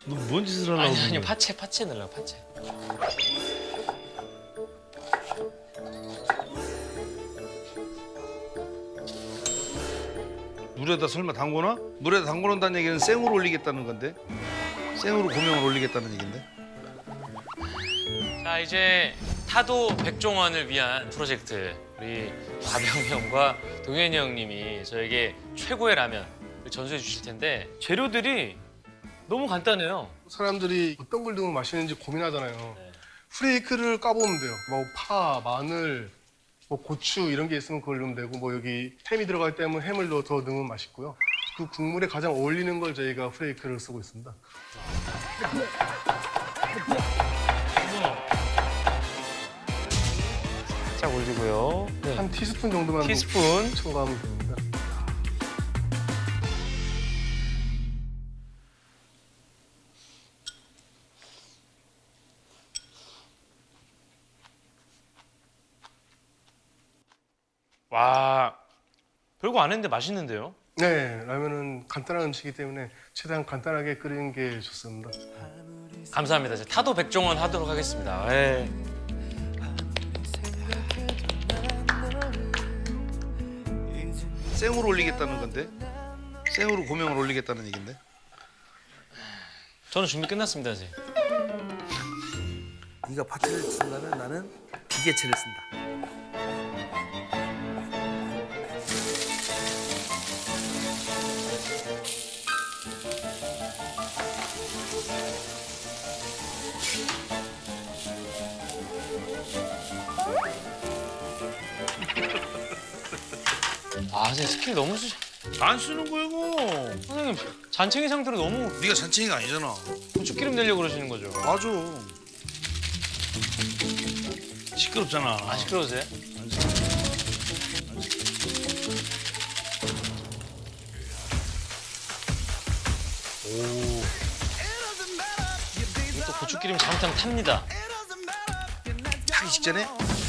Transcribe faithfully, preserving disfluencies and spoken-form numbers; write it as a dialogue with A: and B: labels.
A: 너 뭔 짓을 하려고?
B: 아니
A: 그러는
B: 아니
A: 거야?
B: 파채 파채 넣으려고 파채.
A: 물에다 설마 담궈놔? 물에다 담궈놓는다는 얘기는 생으로 올리겠다는 건데? 생으로 고명을 올리겠다는 얘긴데?
B: 자 이제 타도 백종원을 위한 프로젝트 우리 가병 형과 동현이 형님이 저에게 최고의 라면을 전수해 주실 텐데 재료들이 너무 간단해요.
C: 사람들이 어떤 걸 넣으면 맛있는지 고민하잖아요.
B: 네.
C: 프레이크를 까보면 돼요. 뭐 파, 마늘, 뭐 고추 이런 게 있으면 그걸 넣으면 되고 뭐 여기 햄이 들어가기 때문에 햄을 넣어 더 넣으면 맛있고요. 그 국물에 가장 어울리는 걸 저희가 프레이크를 쓰고 있습니다.
B: 살짝 올리고요. 네.
C: 한 티스푼 정도만
B: 티스푼.
C: 첨가하면 됩니다.
B: 와 별거 안 했는데 맛있는데요?
C: 네, 라면은 간단한 음식이기 때문에 최대한 간단하게 끓이는 게 좋습니다.
B: 감사합니다. 이제 타도 백종원 하도록 하겠습니다. 예.
A: 생으로 올리겠다는 건데? 생으로 고명을 올리겠다는 얘긴데?
B: 저는 준비 끝났습니다, 이제.
D: 네가 파채를 쓴다면 나는 기계체를 쓴다.
B: 아, 제 스킬 너무 쓰...
A: 안 쓰는 거야 이거.
B: 선생님, 잔챙이 상태로 너무
A: 네가 잔챙이가 아니잖아.
B: 고추기름 내려고 그러시는 거죠?
A: 맞아. 시끄럽잖아.
B: 아, 시끄러우세요? 오. 이거 또 고추기름 잘못하면 탑니다.
A: 타기 직전에